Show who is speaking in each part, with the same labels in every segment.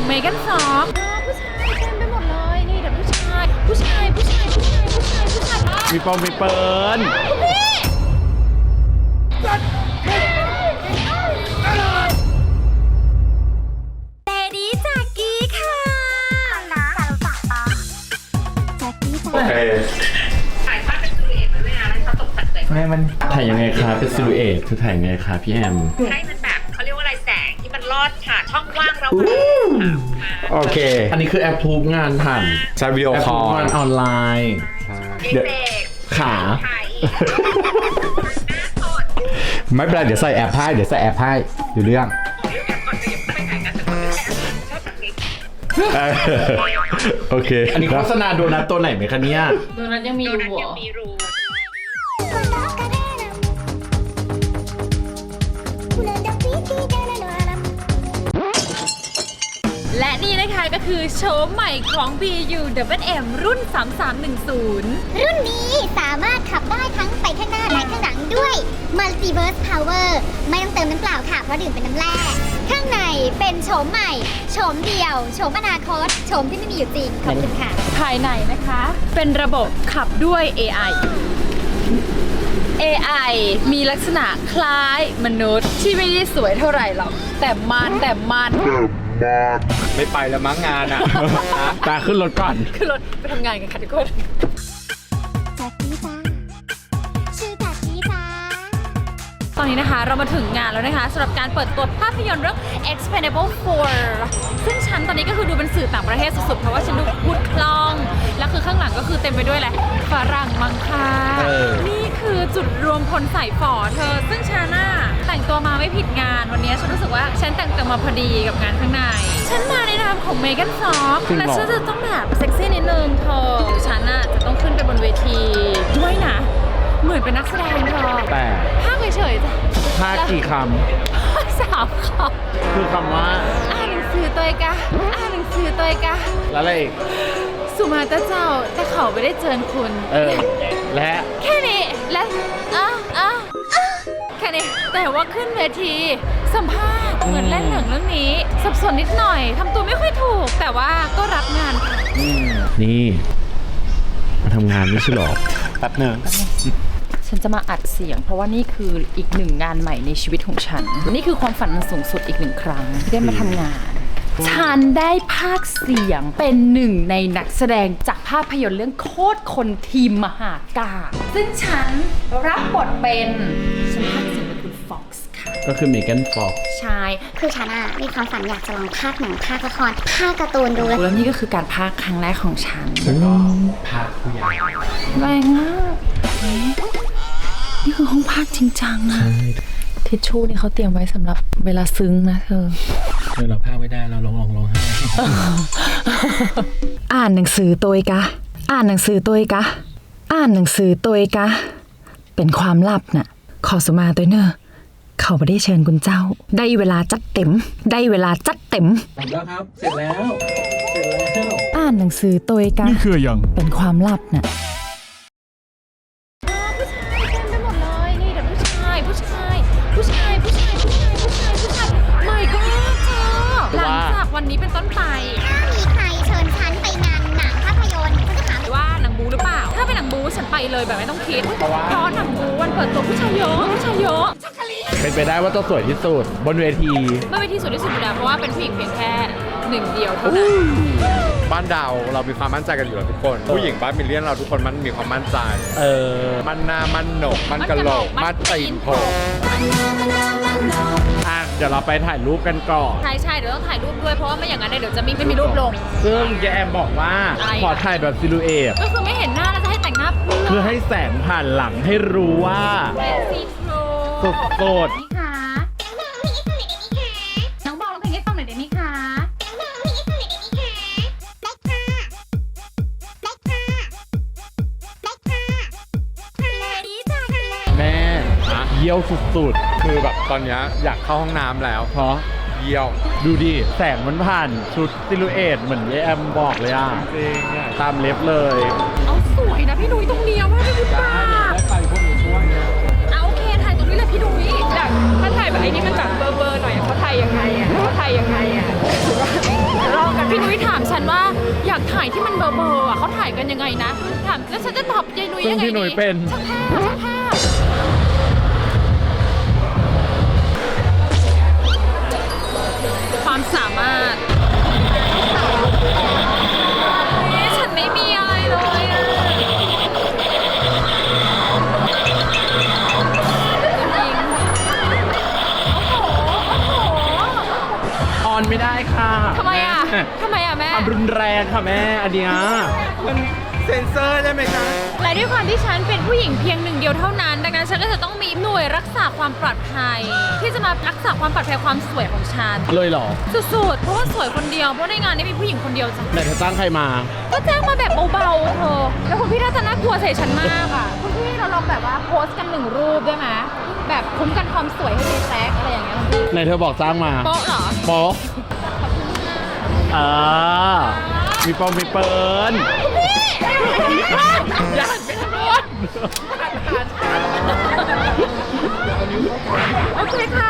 Speaker 1: เมแกนฟ็อกผู้ชายเต็มไปหมดเลยนี่แต่ผู้ชาย
Speaker 2: มีปองมีเปิร์น
Speaker 1: เตดี้จากกี้ค่ะ
Speaker 3: ถ่ายภาพเป็นซิลูเอทมันด้วยนะแล้วเขาตกแต่งเลย
Speaker 2: แม่มันถ่ายยังไงคะเป็นซิลูเอทคือถ่ายยังไงคะพี่แอม
Speaker 3: ให้มันแบบเขาเรียกว่าอะไรแสงที่มันลอดผ่านช่องว่างระหว่าง
Speaker 2: โอเค อันนี้คือแอปทูบงานผ่าน
Speaker 4: ใช้วิดีโอ
Speaker 2: แอป
Speaker 4: ค
Speaker 2: ทู
Speaker 4: อบล
Speaker 2: งานออนไลน์
Speaker 3: เด็ก
Speaker 2: ขา
Speaker 3: ไทย
Speaker 4: ไม่เป็นไรเดี๋ยวใส่แอปให้เดี๋ยวใส่แอปให้อยู่เรื่อง โอเค
Speaker 2: อันนี้โฆษณาโดนัทตัวไหนไหมคะเนี่ย
Speaker 1: โดนัทยังมี
Speaker 3: โด
Speaker 1: รู
Speaker 3: นัท
Speaker 1: เหร
Speaker 3: ยัง
Speaker 1: อ
Speaker 3: มีรู
Speaker 1: และนี่นะคะก็คือโฉมใหม่ของ BU WM รุ่น 3310
Speaker 5: รุ่นนี้สามารถขับได้ทั้งไปข้างหน้าและข้างหลังด้วย Multiverse Power ไม่ต้องเติมน้ำเปล่าค่ะเพราะดื่มเป็นน้ำแร่ข้างในเป็นโฉมใหม่โฉมเดียวโฉมอนาคตโฉมที่ไม่มีอยู่จริงขอบคุณค่ะ
Speaker 1: ภายในนะคะเป็นระบบขับด้วย AI มีลักษณะคล้ายมนุษย์ที่ไม่ได้สวยเท่าไหร่หรอกแต่มัน
Speaker 4: ไม่ไปแล้วมั้งงานอ่ะ
Speaker 2: ตาขึ้นรถก่อน
Speaker 1: ขึ้นรถไปทำงานกันค่ะทุกคน
Speaker 5: จากกี้จ้าชื่อจากกี้จ้า
Speaker 1: ตอนนี้นะคะเรามาถึงงานแล้วนะคะสำหรับการเปิดตัวภาพยนตร์เรื่อง Expendable 4 ซึ่งฉันตอนนี้ก็คือดูเป็นสื่อต่างประเทศสุดๆเพราะว่าฉันดูพูดคล่องแล้วคือข้างหลังก็คือเต็มไปด้วยแหละฝรั่งมังค่านี่คือจุดรวมพลสายฝอเธอซึ่งฉันน่ะแต่งตัวมาไม่ผิดงานวันนี้ฉันรู้สึกว่าฉันแต่งตัวมาพอดีกับงานข้างในฉันมาในนามของเมแกนฟ็อกและฉันจะต้องแบบเซ็กซี่นิดนึงเธอฉันน่ะจะต้องขึ้นไปบนเวทีด้วยนะเหมือนเป็นนักแสดงเธอ
Speaker 2: แต่
Speaker 1: ภาคเฉยๆจ้ะ
Speaker 2: ภาคกี่ค
Speaker 1: 3 คำ
Speaker 2: ำคือคำว่า
Speaker 1: อ่านหนังสือตัวเองกะอ่านหนังสือตัวเองกะ
Speaker 2: แล้วอะไรอีก
Speaker 1: สุมาตาเจ้าแต่เขาไม่ได้เจอคุณ
Speaker 2: และ
Speaker 1: แค่นี้และแค่นี้แต่ว่าขึ้นเวทีสัมภาษณ์เหมือนเล่นหนังเรื่องนี้สับสนนิดหน่อยทำตัวไม่ค่อยถูก แต่ว่าก็รับงานค่ะ
Speaker 2: นี่มาทำงานไม่ใช่หรอแป๊บหนึ่ง
Speaker 1: ฉันจะมาอัดเสียง เพราะว่านี่คืออีกหนึ่งงานใหม่ในชีวิตของฉัน นี่คือความฝันอันสูงสุดอีกหนึ่งครั้งที่ได้มาทำงาน ฉันได้ภาคเสียงเป็นหนึ่งในนักแสดงจากภาพยนตร์เรื่องโคตรคนทีมมหากาพย์ซึ่งฉันรับบทเป็นฉันภาคเสียงเป็นคุณฟ็อกซ์ค่ะ
Speaker 2: ก็คือเมแกนฟ็อก
Speaker 1: ใช่
Speaker 5: คือฉันอะมีความฝันอยากจะลองภาคหนังภาคละครภาคการ์ตูนดู
Speaker 1: แล้วนี่ก็คือการภาคครั้งแรกของฉัน
Speaker 2: ภาคผู้ใหญ่
Speaker 1: แรงมากนี่คือห้องภาคจริงจังอะทิชชู่นี่เขาเตรียมไว้สำหรับเวลาซึ้งนะเธอ
Speaker 2: เราภาคไม่ได้เราร้องไห้
Speaker 1: อ่านหนังสือตัวกะ อ่านหนังสือตัวกะ อ่านหนังสือตัวกะ เป็นความลับน่ะ ขอสุมาตัวเนอะเขาไม่ได้เชิญคุณเจ้า ได้เวลาจัดเต็ม ได้เวลาจัดเต็ม
Speaker 2: แล้วครับ เสร็จแล้ว
Speaker 1: อ่านหนังสือตัวกะ
Speaker 2: นี่คือยัง
Speaker 1: เป็นความลับน่ะผู้ชายเต็มไปหมดเลยนี่แต่ผู้ชายไม่ก็เธอหลังจากวันนี้เป็นต้นไป
Speaker 5: ถ้ามีใครเชิญฉันไปงานหนังภาพยนตร์ฉันจะถาม
Speaker 1: ว่าหนังบูหรือเปล่า ถ้าเป็นหนังบูฉันไปเลยแบบไม่ต้องคิด เพราะหนังบูวันเปิดตัวผู้ชายเยอะ
Speaker 2: เป็นไปได้ว่าต้องสวยที่สุดบนเวที
Speaker 1: ไม่เป็นที่สุดที่สุดอยู่แล้วเพราะว่าเป็นผู้หญิงเพียงแค่หนึ่งเดียวเท่านั้น
Speaker 4: บ้านดาวเรามีความมั่นใจกันอยู่แล้วทุกคน ผู้หญิงบ้านมิลเลียนเราทุกคนมันมีความมั่นใจ มันหน้ามันโหนกมันกะโหลกมันตีนโผล่
Speaker 2: อ่ะ เดี๋ยวเราไปถ่ายรูปกันก่อน
Speaker 1: ใช่เดี๋ยวต้องถ่ายรูปด้วยเพราะว่าไม่อย่างนั้นเดี๋ยวจะไม่มีรูปลง
Speaker 2: ซึ่งแยมบอกว่า
Speaker 1: อะไรอ่ะ
Speaker 2: ขอถ่ายแบบซิลูเอท
Speaker 1: ก็คือไม่เห็นหน้าแล้วจะให้แต่งหน้าเพื่
Speaker 2: คือ อให้แสงผ่านหลังให้รู้ว่า
Speaker 1: เป็นซีทรู
Speaker 2: สด
Speaker 1: นี่ค่ะน้องบอกร้องเพลงให้ฟังหน่อยได้ไหมคะ
Speaker 2: แม่เยี่ยวสุด
Speaker 4: คือแบบตอนเนี้ยอยากเข้าห้องน้ำแล้ว
Speaker 2: ๆ เพราะ
Speaker 4: เยี่ยว
Speaker 2: ดูดิ แสงมันผ่านชุดซิลูเอทเหมือนแยมบอกเลยอ่ะ
Speaker 4: จริงเนี่ย
Speaker 2: ตามเล็บเลย
Speaker 1: เอาสวยนะพี่นุ้ยตรงเดียวว่าไม่พูดบ้า
Speaker 4: ได้ไปพวกหนูช่วยนะ
Speaker 1: เอาโอเคถ่ายตรงนี้เลยพี่นุ้ยอยากถ้าถ่ายแบบไอ้นี่มันแบบเบอร์หน่อยเขาถ่ายยังไงอ่ะถือว่าเราอยากถ่ายที่มันเบอร์อ่ะเขาถ่ายกันยังไงนะถามแล้วฉันจะตอบยายนุ้ยยังไง
Speaker 2: ซึ่งพี่หนุ่ยเป็น
Speaker 1: ช่างภาพช่างภาพความสามารถฉันไม่มีอะไรเลยอะ
Speaker 2: ออนไม่ได้ค่ะ
Speaker 1: ทำไมอ่ะ
Speaker 2: แม่
Speaker 1: ทำไมอ่ะแม่
Speaker 2: ความรุนแรงค่ะแม่อันเนี้ย
Speaker 4: มันเซ็นเซอร์ได้ไหมคะ
Speaker 1: และด้วยความที่ฉันเป็นผู้หญิงเพียงหนึ่งเดียวเท่านั้น ดังนั้นฉันก็จะต้องมีหน่วยรักษาความปลอดภัย ที่จะมารักษาความปลอดภัยความสวยของฉัน
Speaker 2: เลยเหรอ
Speaker 1: สุดๆ เพราะว่าสวยคนเดียว เพราะในงานนี้มีผู้หญิงคนเดียวจ้ะ
Speaker 2: ไหนเธอจ้างใครมา
Speaker 1: ก็แจ้งมาแบบเบาๆเธอ แล้วคุณพี่น่าจะน่ากลัวใส่ฉันมากอ่ะ คุณพี่เราลองแบบว่าโพสต์กัน1 รูปได้ไหมแบบคุ้มกันความสวยให้เจแซกอะไรอย่างเงี้ยคุณพี่
Speaker 2: ไหนเธอบอกจ้างมา
Speaker 1: โป๊ะเหรอ
Speaker 2: โป๊ะมีปอมมีเปิล
Speaker 1: อย่าหันไปทางโน้นโอเคค่ะ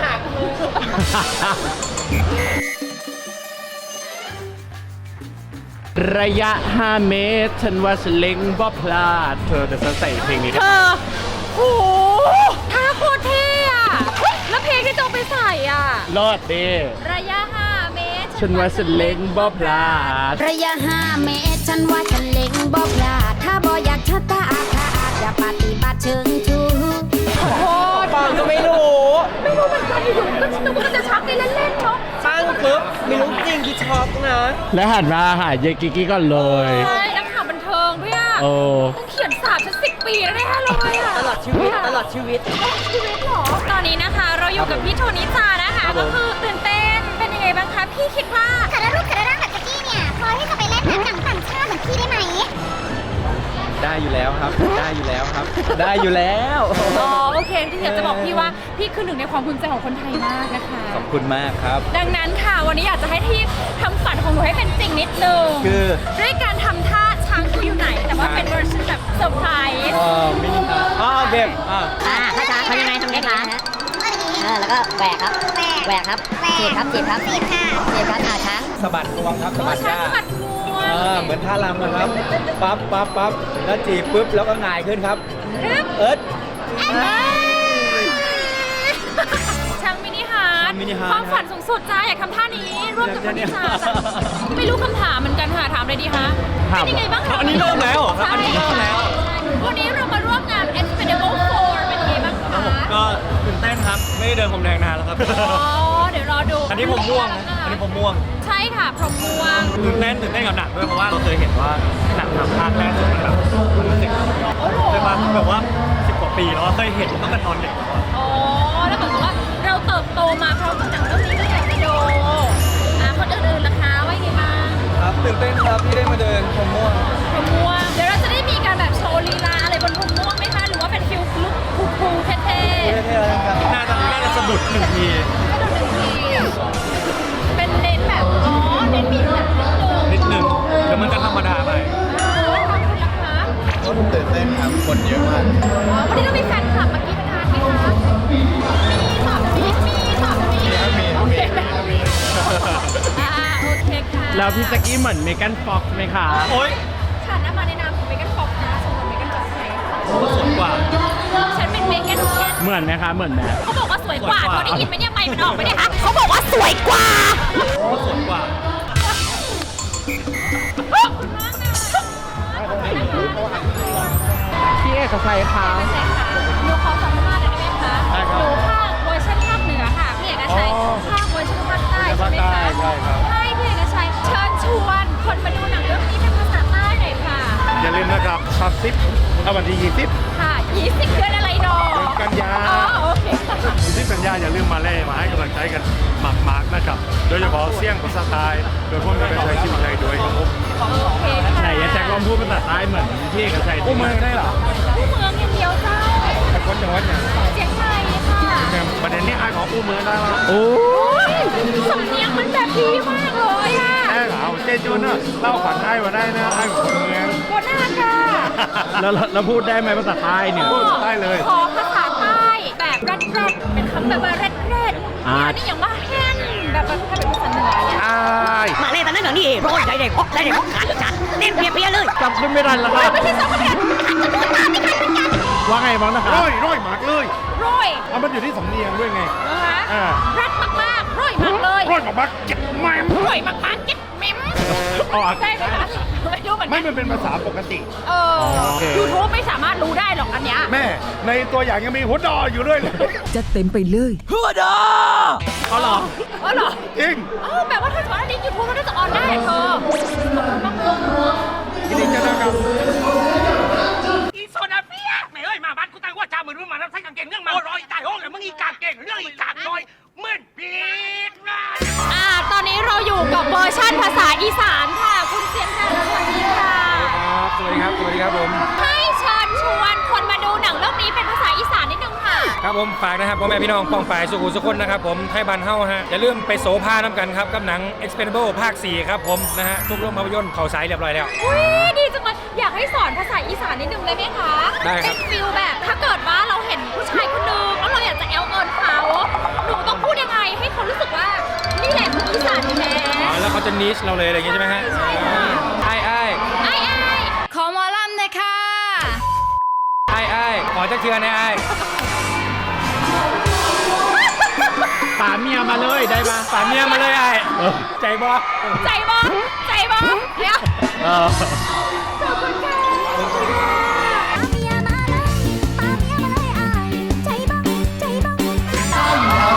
Speaker 2: ระยะ 5 เมตร ฉันว่าฉันเล็งบ่พลาด เธอจะใส่เพลงนี้
Speaker 1: เธอโอ้โหท่าโคตรเท่อะแล้วเพลงที่ต้องไปใส่อ่ะ
Speaker 2: รอดดิ
Speaker 1: ระยะ 5 เมตร
Speaker 2: ฉันว่าฉันเล็งบ่พลาด
Speaker 6: ระยะ5 เมตร ฉันว่าฉันเล็งบ่พลาดถ้าบ่อยากชะตาอาฆาตอย่าปฏิบัติเชิงชู้
Speaker 1: โอ้โห
Speaker 7: ฟังก็ไม่รู้
Speaker 1: ไม่รู้เหมือนกันอยู่ๆก็นึกว่าจะชักในเล่นๆเนาะ
Speaker 7: ตั้งปุ๊บไม่รู้จริงคือช็อกนะ
Speaker 2: แล้วหันมาหาเยกิกกี้ก่อนเลย
Speaker 1: ใช่นักข่าวบันเทิงด้วยอ่ะ
Speaker 2: โอ้
Speaker 1: ต้องเขียนสาบฉัน10 ปีแล้วแน่เลยอ่ะ
Speaker 7: ตลอดชีวิตตลอดชีวิต
Speaker 1: ชีวิตเหรอตอนนี้นะคะเราอยู่กับพี่โทนิจานะคะก็คือตื่นเต้นเป็นยังไงบ้างคะพี่คิดว่า
Speaker 5: คารารูปคาราร่างแบบตะกี้เนี่ย พอที่จะไปเล่นหนังต่างชาติเหมือนพี่ได้ไหม
Speaker 7: ได้อยู่แล้วครับ ได้อยู่แล้วครับ ได้อยู่แล้ว
Speaker 1: อ๋อโอเคที่อยากจะบอกพี่ว่าพี่คือหนึ่งในความภูมิใจของคนไทยมากนะคะ
Speaker 7: ขอบคุณมากครับ
Speaker 1: ดังนั้นค่ะวันนี้อยากจะให้ที่ทำฝันของหนูให้เป็นจริงนิดนึง
Speaker 7: คือ
Speaker 1: ด้วยการทำท่าช้างคืออยู่ไหน แต่ว่าเป็นเวอร์ชันแบบเซอร์ไพรส์
Speaker 7: มินิฮาร์ดโอเค
Speaker 5: ถ้าช้างเขายังไงทำไงคะแล้วก็แหวกครับ แหวกครับจีบครับจีบครับจีบค่ะจีบครับช้าง
Speaker 7: สะบัดงวงครับสะ
Speaker 1: โอ้
Speaker 7: บัด
Speaker 1: ช้าง
Speaker 7: ก้า
Speaker 1: สะบัดงวง
Speaker 7: เหมือนท่ารำนะครับ ปั๊บปั๊บปั๊บแล้วจีบปุ๊บ แล้วก็หงายขึ้นครับ เอิร์ธ
Speaker 1: ช้างมินิฮาร์ด
Speaker 7: ช้างมินิฮาร์ท
Speaker 1: ความฝันสูงสุดจ้าอยากทำท่านี้ร่วมกับคนที่จ้าจ้ะไม่รู้คำถามเหมือนกันค่ะถามเลยดีคะ
Speaker 2: ถาม
Speaker 1: เป็นยังไงบ้างคะ
Speaker 7: อันนี้เริ่มแล้วเหรอครับอันนี้เริ่มแล้ว
Speaker 1: ใช่วันนี้เรามาร่วมงาน Expendable 4 เป็นยังไงบ้างคะ
Speaker 7: ก็ตื่นเต้นครับ ไม่ได้เดินผมแดงนานแล้วครับ
Speaker 1: อ๋อเดี๋ยวรอดู
Speaker 7: อันนี้ผมม่วงนะอันนี้ผมม่วง
Speaker 1: ใช่ค่ะพรหมม่วง
Speaker 7: ตื่นเต้นกับหนังด้วยเพราะว่าเราเคยเห็นว่าหนังทำภาคแรกสุดมันแบบมันรู้สึก
Speaker 1: โอ้โห
Speaker 7: ใช่ปะแบบว่า10 กว่าปีแล้วอะเคยเห็นตั้งแต่ตอนเด็กแล้วอะ
Speaker 1: อ๋อแล้วเหมือนกับว่าเราเติบโตมาพร้อมกับหนังเรื่องนี้ก็อยากจะดูคนอื่นๆล่ะคะว่ายังไงบ้าง
Speaker 7: ครับตื่นเต้นครับที่ได้มาเดินผมม่วง
Speaker 1: พรหมม่วงเดี๋ยวเราจะได้มีการแบบโชว์ลีลาอะไรบนพรหมม่วงไหมคะหรือว่าเป็นฟิลลุคคูลๆเท่ๆ
Speaker 7: เท่ๆแล้วกันน่าจะสะดุดหนึ่งที
Speaker 1: ก็ดูหนึ่งทีเป็นเน้นแบบอ๋อเน้นมีแบบนิดนึง
Speaker 7: เดี๋ยวมันจะธรรมดาไป
Speaker 1: ทำคุณล่ะคะ
Speaker 4: ก็ตื่นเต้นครับคนเยอะมาก
Speaker 1: อ๋อวันนี้เรามีแฟนคลับมากินทานไหมคะมีตอบมีตอบมีโอเคโอเคค่ะ
Speaker 2: แล้วพี่แจ็กกี้เหมือนเมแกนฟ็อกซ์ไหมคะ
Speaker 7: โอ๊ย
Speaker 1: ฉันน่ะมาในนามของเมกันฟ็อกนะสมมติเมกันจ็อกไง
Speaker 7: ก็สวยกว่า
Speaker 1: ฉันเป็นเมกันแคท
Speaker 2: เหมือนไหมคะเหมือนไหม
Speaker 1: เขาบอกว่าสวยกว่าเขาได้ยินไหมเนี่ยไม่มันออกไหมเนี่ยคะเขาบอกว่าสวยกว่า
Speaker 7: ก็สวยกว่า
Speaker 2: พี่เอกชัยคะ
Speaker 1: ใช่ค่ะหนูขอสัมภาษณ์หน่อยได้ไหมคะหนูภาคเวอร์ชันภาคเหนือค่ะพี่เอกชัยภาคเวอร์ชันภาคใต้ใช่ไหมคะใช่พี่เอกชัยเชิญชวนคนมาดูหนังเรื่องนี้เป็นภาษาใต้หน่อยค่ะ
Speaker 4: อย่าลืมนะครับซับซิปเอาวันที่20
Speaker 1: ค่ะ20 เดือนอะไรดอก
Speaker 4: กันยา
Speaker 1: อ๋อโอเคค่ะ
Speaker 4: ที่สัญญาอย่าลืมมาเล่มาให้กำลังใจกันมากๆนะครับ โดยเฉพาะเสี่ยงภาษาไทยโดยพวกเราเป็นชายชีวิตไทยด้วยครับผม
Speaker 1: โอเคค่ะ
Speaker 2: ไหนอะแจ็คลองพูดภาษาใต้เหมือนพี่เอกชัย
Speaker 4: อู้มือได้เหรอ
Speaker 1: ผู้เมืองอย่างเดียวเจ้า
Speaker 4: แต่คนจังหวัดเนี่ย
Speaker 1: เจียงใหม่ค่ะ
Speaker 4: เนี่ยประเด็นนี้ไอ้ของอู้มือได้แล้ว
Speaker 2: โอ้
Speaker 1: สำเนียงมันแบบดีมากเลยอ่ะ
Speaker 4: แอ้เหรอเจจูนเนอะเล่าฝันได้มาได้นะไอ้ของคนเมือง
Speaker 1: โคตรน่าค่ะ
Speaker 2: แล้วพูดได้ไหมภาษาใต้เนี่ย
Speaker 4: พูดได้เลย
Speaker 1: ขอภาษาใต้แบบแรดเป็นคำแบบว่าแรด
Speaker 2: อ่า
Speaker 1: อันนี้อย่างว่าแห้งแบบถ้าเป็นภาษาเหนือเนี่ย
Speaker 4: อ้าย
Speaker 6: มาเลยตอนนั้นเดี๋ยวนี้
Speaker 8: ร้อยได้เด็กพกได้เด็กพกขาดขาดเล่นเพี้ยเลย
Speaker 2: จำขึ้นไม่ทันแล้วครับ
Speaker 1: ไม่ใช่สองคนเดียว
Speaker 2: ว่าไงบ้างนะครับ
Speaker 4: ร้อยหมากเลย
Speaker 1: ร้อย
Speaker 4: เอามันอยู่ที่สำเนียงด้วยไง
Speaker 1: นะคะรักมากๆร้อยมากเลย
Speaker 4: ร้อยหมากเก็บแม่ม
Speaker 1: ร้อยมากๆเก็บเมม
Speaker 2: ออก
Speaker 1: ใช่ไหมคะไม่รู้เหมือนกั
Speaker 4: ไม่
Speaker 1: น
Speaker 4: มันเป็นภาษาปกติ
Speaker 2: โอเค
Speaker 1: ยูทูบไม่สามารถรู้ได้หรอกอันเนี้ย
Speaker 4: แม่ในตัวอย่างยังมีหัวดออยู่ด้วยเลย
Speaker 8: จะเต็มไปเลย
Speaker 2: เอาเหรอ
Speaker 1: อ๋อเหรอ
Speaker 4: จริง
Speaker 1: อ๋อแบบว่าถ้าสมมติอันนี้ยูทูบมันน่าจะออนได้เธอ
Speaker 4: ยินดีเจอกัน
Speaker 3: อีโซนาเฟียไม่เอ้ยมาบ้านกูตั้งว่าจ้ามือมาแล้วใช้กางเกงเรื่องมาร้อยตายห้องเลยมึงอีกางเกงเรื่องอีกางน้อยเหมือนปีดนะ
Speaker 1: ตอนนี้เราอยู่กับเวอร์ชั่นภาษาอีสานค่ะ คุณเสียงแทนสวัสดีค่ะ
Speaker 7: สวัสดีครับ สวัสดีครับผม
Speaker 1: ให้เชิญชวนคนมาดูหนังเรื่องนี้เป็นภาษาอีสานนิดนึงค่ะ
Speaker 9: ครับผมฝากนะครับพ่อแม่พี่น้องป้องฝ่ายสุขุสุขคนนะครับผมไทยบ้านเฮาฮะอย่าลืมไปโสภาน้ำกันครับกับหนัง Expendable ภาค 4 ครับผมนะฮะทุกโรงภาพยนตร์เขาสายเรียบร้อยแล้ว
Speaker 1: อุ้ยดีจังเลยอยากให้สอนภาษาอีสานนิดนึงเลยไหมคะ
Speaker 9: ได้ครับ
Speaker 1: เป็นฟิลแบบถ้าเกิดว่าเราเห็นผู้ชายคนนึงแล้วเราอยากจะแอลเอิญเขาหนูต้องพูดยังไงให้เขารู้สึกว่านี่แหละคืออีสานแท้
Speaker 9: อ๋อแล้วเขาจะนิชเราเลยอะไรอย่างงี้ใช่ไหมฮะ
Speaker 1: ใช่ค่ะ
Speaker 9: ไอ้ไอ้
Speaker 1: ไอ้ไอ้
Speaker 6: ขอหมอลำเลยค่ะ
Speaker 9: ไอ้ไอ้ขอจักเทือนไอ้ไอ้
Speaker 2: ป่าเมียมาเลยได้ปะ
Speaker 9: ฝากเมียมาเลยไอ้ใจบอ
Speaker 1: ใจบอใจบอเดี๋ยว
Speaker 2: เออ
Speaker 1: ขอบคุณค่ะ
Speaker 5: เมียมาเลยปาเมียมาเลยอายใจบ้องใจบ้อง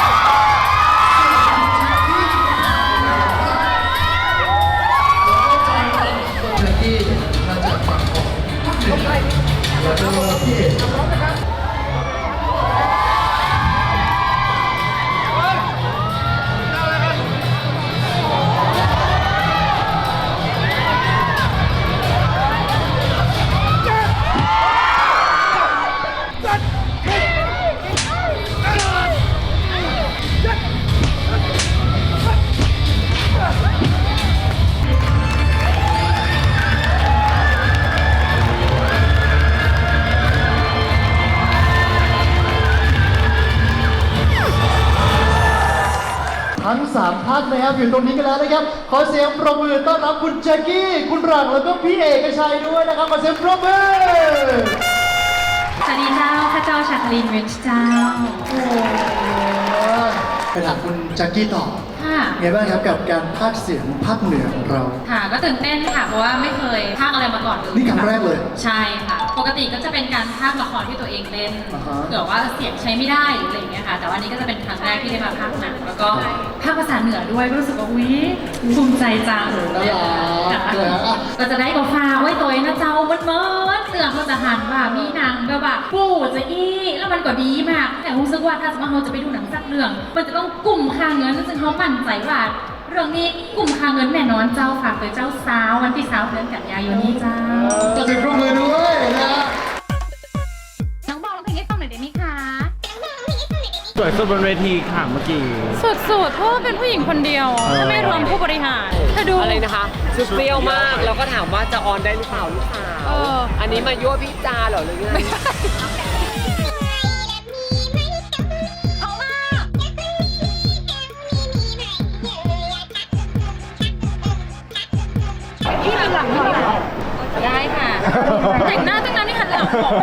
Speaker 10: ทั้ง3ท่านนะครับอยู่ตรงนี้กันแล้วนะครับ ขอเสียงปรบมือต้อนรับคุณแจ็คกี้ คุณหลังแล้วก็พี่เอกชัยด้วยนะครับ ขอเสียงปรบมือ
Speaker 1: สวัสดีเจ้าข้าเจ้าชาคลินเวนเจ้า
Speaker 10: ไปถามคุณแจ็คกี้ต่อ
Speaker 1: ค่ะ
Speaker 10: ไงบ้างครับกับการพากย์เสียงภาคเหนือของเรา
Speaker 1: ค่ะก็ตื่นเต้นค่ะเพราะว่าไม่เคยพากย์อะไรมาก่อนเลย
Speaker 10: นี่ครั้งแรกเลย
Speaker 1: ใช่ค่ะ ปกติก็จะเป็นการพากย์ละครที่ตัวเองเล่น
Speaker 10: อ่าฮะ
Speaker 1: เผื่อว่าเสียงใช้ไม่ได้หรืออะไรอย่างเงี้ยค่ะ แต่ว่านี้ก็จะเป็นครั้งแรกที่ได้มาพากย์หนังแล้วก็พากย์ภาษาเหนือด้วยก็รู้สึกว่าอุ๊ยภูมิใจจัง
Speaker 10: น่ารักเลยฮะ
Speaker 1: ก็จะได้กับฟ้าไว้ตัวเองนะเจ้ามันเมินเตือนเขาจะหันว่ามีหนังแบบว่าปู่จะอี้แล้วมันก็ดีมากแต่รู้สึกว่าถ้าสมมติเราจะไปดูหนังสักเรื่อง มันจะต้องกลุ่มค่าเงินซึ่งเขามั่นใจว่าเรื่องนี้กลุ่มค่าเงินแน่นอนเจ้าฝากไปเจ้าสาววันที่3 เดือนกันยายนนี้เจ้า
Speaker 10: จะถึงปรบมือด้วยนะ
Speaker 1: น้องบอกร้องเพลงให้ฟังหน่อยได้ไหมคะ
Speaker 2: สวยสุดบนเวทีค่ะเมื่อกี้
Speaker 1: สุดๆเพราะว่าเป็นผู้หญิงคนเดียวถ้าไม่รวมผู้บริหารเธอดู
Speaker 3: อะไรนะคะชุดเปรี้ยวมากแล้วก็ถามว่าจะออนได้หรือเปล่าลูกสาว อันนี้มายั่วพี่จาเหรอหรือไง
Speaker 1: ได้ค่ะ แต่งหน้าตั้งนานนี่หันหลังบอก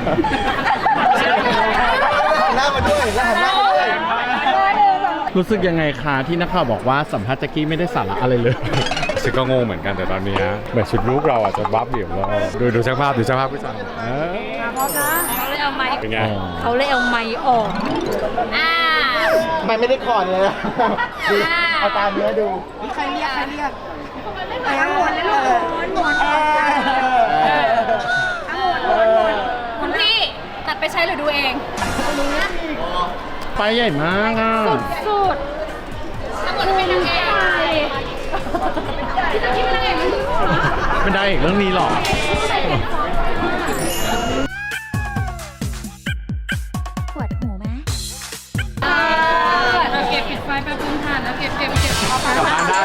Speaker 10: หน้ามาด้วยแล้วหันหน้ามาด้วย
Speaker 2: รู้สึกยังไงคะที่นักข่าวบอกว่าสัมภาษณ์แจ็คกี้ไม่ได้สาระอะไรเลย
Speaker 4: ฉันก็งงเหมือนกันแต่ตอนนี้เหมือนชุดลูกเราอาจจะบัฟเดี่ยวเราดูช่างภาพพี่สาว
Speaker 1: เขาเลยเอาไม้
Speaker 4: เป็นไง
Speaker 1: เขาเลยเอาไม้ออก
Speaker 10: มันไม่ได้คอร์ดเลยนะดูเอาตามเนื้อดู
Speaker 1: คุณพี่ตัดไปใช้หรือดูเอง
Speaker 2: ไปใหญ่มากอ่ะ
Speaker 1: สุดทั้งหมดเป็นนางเอกที่จะคิดเป็นนางเอกมันคือ
Speaker 2: เป็นได้อีกเรื่องนี้หรอ
Speaker 5: ปวดหูไหม
Speaker 1: เราเก็บปิดไฟแป๊บนึงค่ะแล้วเก็บเอาไป
Speaker 4: กลับบ้านได้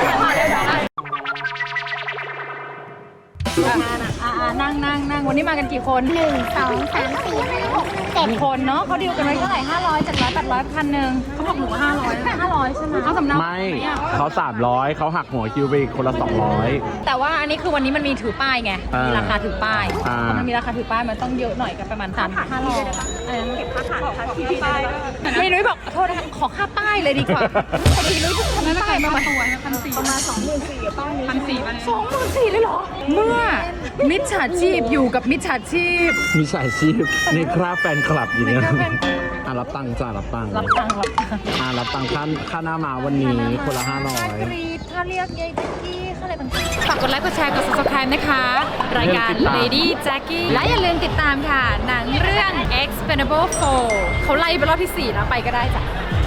Speaker 1: นั่งวันนี้มากันกี่คน
Speaker 5: 1 2 3 4 5 6
Speaker 1: 7 คนเนาะเขาดีลกันไว้เท่าไหร่500 700 800 1,000เขาบอกหนู500ใช่ไหมเอาสำเนา
Speaker 2: ไม่เขา300เขาหักหัวคิวไปอีกคนละ200
Speaker 1: แต่ว่าอันนี้คือวันนี้มันมีถือป้ายไง
Speaker 2: อ่ามี
Speaker 1: มีราคาถือป้าย
Speaker 2: อ่า
Speaker 1: พอมันมีราคาถือป้ายมันต้องเยอะหน่อยกันประมาณ3,500เก็บค่าขาดที่ป้ายไม่นุ้ยบอกโทษนะคะขอค่าป้ายเลยดีกว่าพอดีนุ้ยทำป้ายมาตัว1,400ประมาณ24,000ป้าย1,400เลยเหรอเมื่อมิจฉาชีพอยู่กับมิจฉาชีพ
Speaker 2: มีสายชีพในคราบแฟนคลับอยู่เนี่ย
Speaker 1: ในคราบแฟน
Speaker 2: รับตังค์จ้ารับตังค์
Speaker 1: รับตังค์
Speaker 2: รับตังค์ค่าหน้ามาวันนี้คนละ
Speaker 1: ค่าก
Speaker 2: 500
Speaker 1: รีดค่าเรียกยายแจ็คกี้ค่าอะไรต่างๆฝากกดไลค์กดแชร์กด subscribe นะคะ รายการ Lady Jackie และอย่าลืมติดตามค่ะ หนังเรื่อง Expendable 4 เขาไล่ไปรอบที่ 4 แล้วไปก็ได้จ้ะ